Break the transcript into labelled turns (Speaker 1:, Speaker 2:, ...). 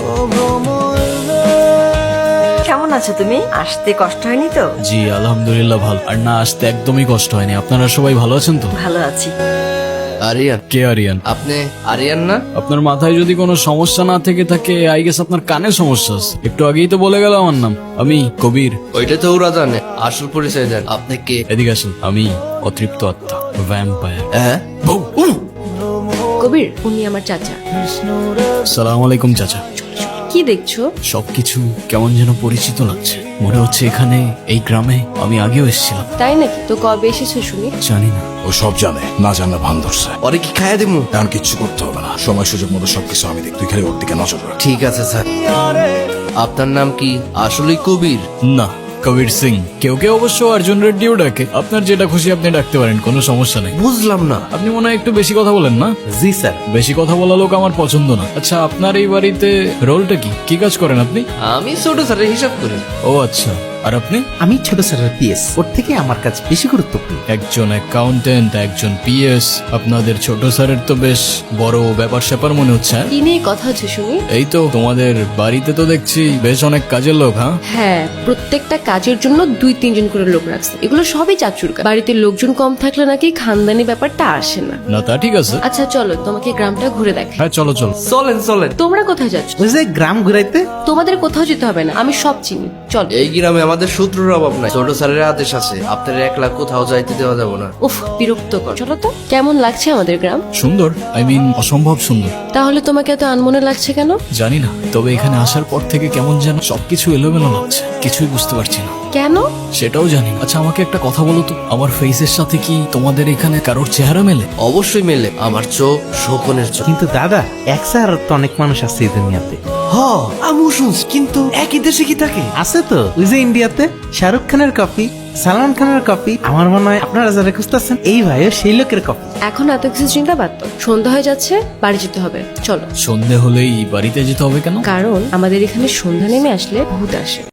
Speaker 1: কেমন আছো তুমি? আসতে কষ্ট হয়নি তো?
Speaker 2: জি আলহামদুলিল্লাহ ভালো। আর না আসতে একদমই কষ্ট হয়নি। আপনারা সবাই ভালো আছেন তো?
Speaker 1: ভালো আছি।
Speaker 3: আরিয়ান,
Speaker 2: কে আরিয়ান?
Speaker 3: আপনি আরিয়ান না?
Speaker 2: আপনার মাথায় যদি কোনো সমস্যা না থেকে থাকে আই গেস আপনার কানে সমস্যা আছে। একটু আগেই তো বলে গেল আমার নাম। আমি কবির।
Speaker 3: ওইটা তো ওরা জানে, আসল পরিচয় দেন। আপনি কে?
Speaker 2: এদিকে আসেন। আমি অতৃপ্ত আত্মা, ভ্যাম্পায়ার।
Speaker 3: হ্যাঁ,
Speaker 4: কবির, উনি আমার চাচা।
Speaker 2: সালাম আলাইকুম চাচা।
Speaker 4: কি দেখছো?
Speaker 2: সবকিছু কেমন যেন পরিচিত লাগছে। মনে হচ্ছে এখানে এই গ্রামে আমি আগেও এসেছিলাম।
Speaker 4: তাই নাকি? তো কবে এসেছো শুনি?
Speaker 2: জানি না।
Speaker 5: ও সব জানে, না জানলে ভান ধরছে।
Speaker 3: ওরে কি খাইয়া দিমু?
Speaker 5: এখন কিচ্ছু করতে হবে না, সময় সুযোগ মতো সবকিছু আমি দেখ, তুই খালি ওর দিকে নজর রাখ।
Speaker 3: ঠিক আছে স্যার। আপনার নাম কি? আসলেই কবির?
Speaker 2: না, কবির সিং। কেউ কেউ অবশ্য অর্জুন রেড্ডিও ডাকে। আপনার যেটা খুশি আপনি ডাকতে পারেন, কোনো সমস্যা নেই।
Speaker 3: বুঝলাম না।
Speaker 2: আপনি মনে হয় একটু বেশি কথা বলেন না?
Speaker 3: জি স্যার।
Speaker 2: বেশি কথা বলা লোক আমার পছন্দ না। আচ্ছা, আপনার এই বাড়িতে রোলটা কি? কি কাজ করেন আপনি?
Speaker 3: আমি ছোট স্যারের হিসাব করি।
Speaker 2: ও আচ্ছা। আর আপনি?
Speaker 6: আমি ছোট স্যারের পিএস, ওর থেকে আমার কাছে বেশি গুরুত্বপূর্ণ।
Speaker 2: একজন অ্যাকাউন্টেন্ট, একজন পিএস। আপনাদের ছোট স্যারের তো বেশ বড় ব্যাপার স্যাপার মনে হচ্ছে। হ্যাঁ?
Speaker 4: কি নিয়ে কথা হচ্ছে শুনি?
Speaker 2: এই তো তোমাদের বাড়িতে তো দেখছি বেশ অনেক কাজের লোক। হ্যাঁ,
Speaker 4: হ্যাঁ, প্রত্যেকটা কাজের জন্য 2-3 জন করে লোক রাখছে। এগুলো সবই চাচুর কাজ। বাড়িতে লোকজন কম থাকলে নাকি খানদানি ব্যাপারটা আসে না।
Speaker 2: না তা ঠিক আছে।
Speaker 4: আচ্ছা চলো, তোমাকে গ্রামটা ঘুরে দেখাই।
Speaker 2: হ্যাঁ চলো চলো।
Speaker 3: চলেন চলেন।
Speaker 4: তোমরা কোথায় যাচ্ছ?
Speaker 6: ওই যে গ্রাম ঘুরাইতে।
Speaker 4: তোমাদের কোথাও যেতে হবে না, আমি সব চিনি। চলো।
Speaker 3: এই গ্রামে আমাদের শত্রুর অভাব নাই। ছোট স্যারের আদেশ আছে, আপনার একলা কোথাও যাইতে দেওয়া যাবে না।
Speaker 4: উফ, বিরক্ত কর। চলো তো। কেমন লাগছে আমাদের গ্রাম?
Speaker 2: সুন্দর, আই মিন অসম্ভব সুন্দর।
Speaker 4: তাহলে তোমাকে এত আনমনে লাগছে কেন?
Speaker 2: জানি না, তবে এখানে আসার পর থেকে কেমন যেন সবকিছু এলোমেলো লাগছে। কিছুই বুঝতে পারছি না।
Speaker 4: কেন?
Speaker 2: সেটাও জানি না। আচ্ছা আমাকে একটা কথা বলো তো, আমার ফেসের সাথে কি তোমাদের এখানে কারোর চেহারা মেলে?
Speaker 3: অবশ্যই মেলে। আমার চোখ শকুনের চোখ।
Speaker 6: কিন্তু দাদা, এক স্যার তো অনেক মানুষ আছে এই দুনিয়াতে।
Speaker 3: হ, আমিও শুনছি, কিন্তু একই দেশে কি থাকে?
Speaker 6: আছে তো, ওই যে ইন্ডিয়াতে শাহরুখ খানের কপি, সালমান খানের কপি। আমার মনে হয় আপনারা যারা খুঁজতেছেন এই ভাইও সেই লোকের কপি।
Speaker 4: এখন এত কিছু চিন্তা বাদ দাও। সন্ধ্যা হয়ে যাচ্ছে, বাড়ি যেতে হবে। চলো।
Speaker 2: সন্ধে হলেই বাড়িতে যেতে হবে কেন?
Speaker 4: কারণ আমাদের এখানে সন্ধ্যা নেমে আসলে ভূত আসে।